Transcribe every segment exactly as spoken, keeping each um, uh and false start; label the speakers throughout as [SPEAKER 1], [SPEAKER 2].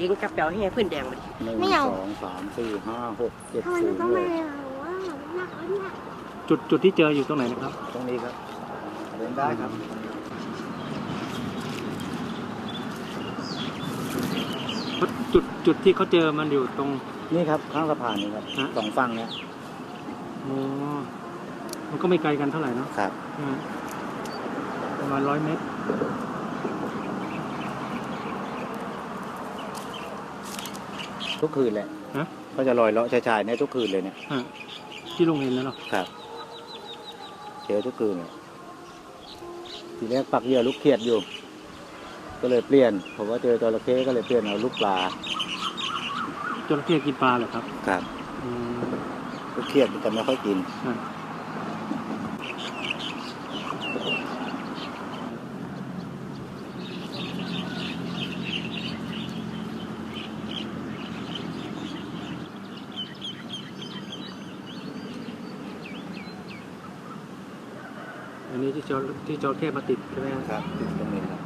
[SPEAKER 1] งกับเปียวให้พื้นแดงมาดิ
[SPEAKER 2] หนึ่งสองสามสี่ห้าหกเจ็ด
[SPEAKER 3] ทำไม
[SPEAKER 2] ศู
[SPEAKER 3] มัน
[SPEAKER 2] นย์
[SPEAKER 3] ต้อง
[SPEAKER 2] เล
[SPEAKER 3] มาย ว่าหนักแล้วเนี่ย
[SPEAKER 4] จุดจุดที่เจออยู่ตรงไหนนะครับ
[SPEAKER 2] ตรงนี้ครับเดินได้ครับ
[SPEAKER 4] เพราะจุดจุดที่เขาเจอมันอยู่ตรง
[SPEAKER 2] นี่ครับข้างสะพานนี่ครับ
[SPEAKER 4] ฮะ
[SPEAKER 2] สองฝั่งเนี้ย
[SPEAKER 4] อ๋อมันก็ไม่ไกลกันเท่าไหร่เนาะ
[SPEAKER 2] ครับ
[SPEAKER 4] อืมประมาณร้อยเมตร
[SPEAKER 2] ทุกคืนเลย
[SPEAKER 4] ฮะ
[SPEAKER 2] ก็จะลอยเลาะชายๆเนี่ยทุกคืนเลยเนี่ย
[SPEAKER 4] ฮะที่ลุงเห็นแล้วเนาะ
[SPEAKER 2] ครับเจอทุกคืนเลยทีแรกปักเหยื่อลูกเขียดอยู่ ก็เลยเปลี่ยนผมว่าเจอจระเข้ก็เลยเปลี่ยนเอาลูกปลา
[SPEAKER 4] จระเข้กินปลาเหรอครับ
[SPEAKER 2] ครับ
[SPEAKER 4] อืม
[SPEAKER 2] ลูกเขียดมันจะไม่ค่อยกิน
[SPEAKER 4] ฮะอันนี้ที่จอที่จระเข้มาติดใช่ไหม
[SPEAKER 2] ครับติดตรงนี้ครับ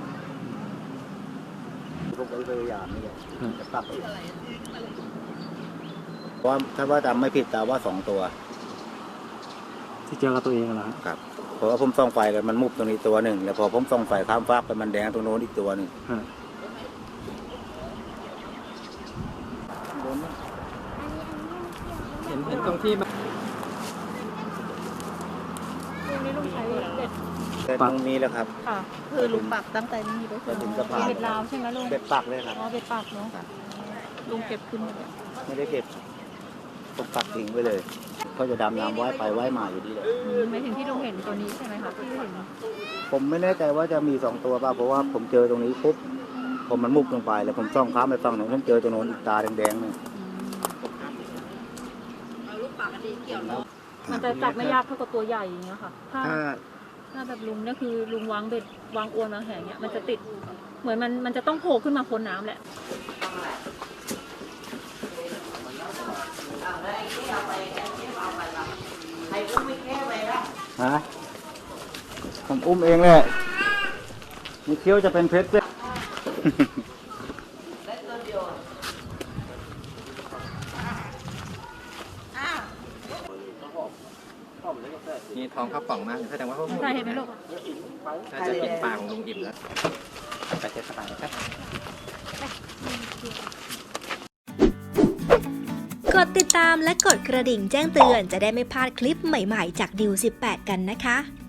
[SPEAKER 2] พวกไอ้พยายามนี่แหละ
[SPEAKER 4] ฮะ
[SPEAKER 2] จะปรับไปเพราะว่าถ้าว่าจำไม่ผิดแต่ว่าสองตัว
[SPEAKER 4] ที่เจอกับตัวเองเหรอฮะ
[SPEAKER 2] ครับเพราะว่าผมส่องไฟกันมันมุบตรงนี้ตัวหนึ่งแล้วพอผมส่องไฟข้ามฟากไปมันแดงตรงโน้นอีกตัวหนึ่ง
[SPEAKER 4] ฮะ
[SPEAKER 3] อันนี้อันนี้ไม่เกี่ยว
[SPEAKER 4] เห็นเห็นตรงที่มัน
[SPEAKER 3] ตรงนี้ลุงใช้เบ็ด
[SPEAKER 2] แต่ตรงนี้แหละครับ
[SPEAKER 3] ค่ะคือลุงปักตั้งแต่นี้ไป
[SPEAKER 2] ไปถึงสะพาน
[SPEAKER 3] เบ็ดลาวใช่ไหมลุง
[SPEAKER 2] เบ็ดปักเลยครับ
[SPEAKER 3] อ๋อเบ็ดปักเนาะลุงเก็บขึ้นมาเลย
[SPEAKER 2] ไม่ได้เก็บผมปักทิ้งไว้เลยเขาจะดำน้ำว่ายไปว่ายมาอยู่ดีเลย
[SPEAKER 3] อืมหมายถึงที่ลุงเห็นตัวนี้ใช่ไหมคะที่เห็น
[SPEAKER 2] ผมไม่แน่ใจว่าจะมีสองตัวป่ะเพราะว่าผมเจอตรงนี้ปุ๊บผมมันมุบลงไปแล้วผมส่องข้ามไปฝั่งโน้นผมเจอตรงโน้นอีกตาแดงๆเนี่ย
[SPEAKER 3] มันจะจับไม่ยากเท่ากับตัวใหญ่อย่างเงี้ยค่ะถ้า
[SPEAKER 2] ถ้า
[SPEAKER 3] ถ้าแบบลุงเนี่ยคือลุงวางเบ็ดวางอวนวางแหงเนี่ยมันจะติดเหมือนมันมันจะต้องโผล่ขึ้นมาพ้นน้ำแหละ
[SPEAKER 2] ฮะผมอุ้มเองแหละมีเคี้ยวจะเป็นเพชรเลย
[SPEAKER 5] มีทองข้าวป่องมากแสดงว่าเขา
[SPEAKER 3] ใช่เห็นไหมลูก
[SPEAKER 5] น่าจะกินปลาของลุงอิ่มแล้วไปเทสบายครับ
[SPEAKER 6] กดติดตามและกดกระดิ่งแจ้งเตือนจะได้ไม่พลาดคลิปใหม่ๆจากดิวสิบแปดกันนะคะ